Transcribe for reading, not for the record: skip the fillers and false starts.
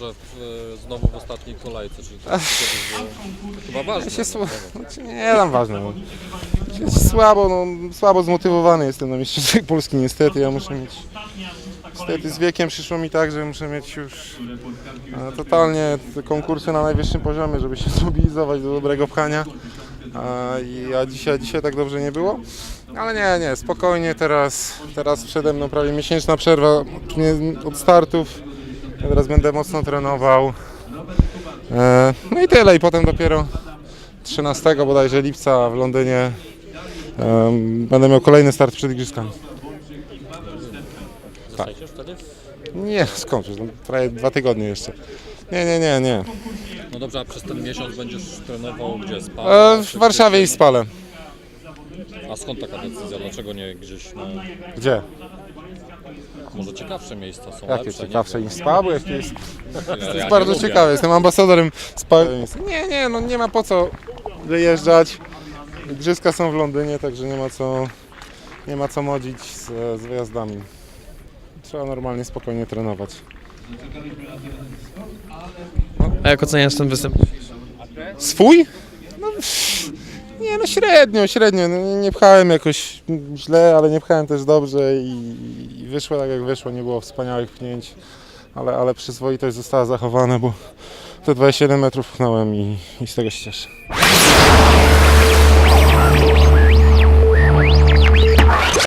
że znowu w ostatniej kolejce, czyli to kiedyś było chyba ważne. Nie tam ważne. No. Słabo zmotywowany jestem na mistrzostwach Polski niestety. Ja muszę mieć. Niestety z wiekiem przyszło mi tak, że muszę mieć już totalnie te konkursy na najwyższym poziomie, żeby się zmobilizować do dobrego pchania. A dzisiaj tak dobrze nie było. Ale nie, spokojnie teraz przede mną prawie miesięczna przerwa od startów. Ja teraz będę mocno trenował. No i tyle. I potem dopiero 13 bodajże lipca w Londynie będę miał kolejny start przed igrzyskami. Zostajecie wtedy? Nie, skąd? No, prawie 2 tygodnie jeszcze. Nie. No dobrze, a przez ten miesiąc będziesz trenował gdzie? Spale? W Warszawie i w Spale. A skąd taka decyzja? Dlaczego nie gdzieś na Gdzie? może ciekawsze miejsca są Jakie lepsze? ciekawsze niż Spa? Bo jakie jest... Ja To nie jest bardzo lubię. ciekawe, jestem ambasadorem Spa. Nie, no nie ma po co wyjeżdżać. Igrzyska są w Londynie, także nie ma co modzić z wyjazdami. Trzeba normalnie, spokojnie trenować. A jak oceniasz ten występ? Swój? No średnio. No, nie pchałem jakoś źle, ale nie pchałem też dobrze i wyszło tak jak wyszło, nie było wspaniałych pchnięć, ale przyzwoitość została zachowana, bo te 27 metrów pchnąłem i z tego się cieszę.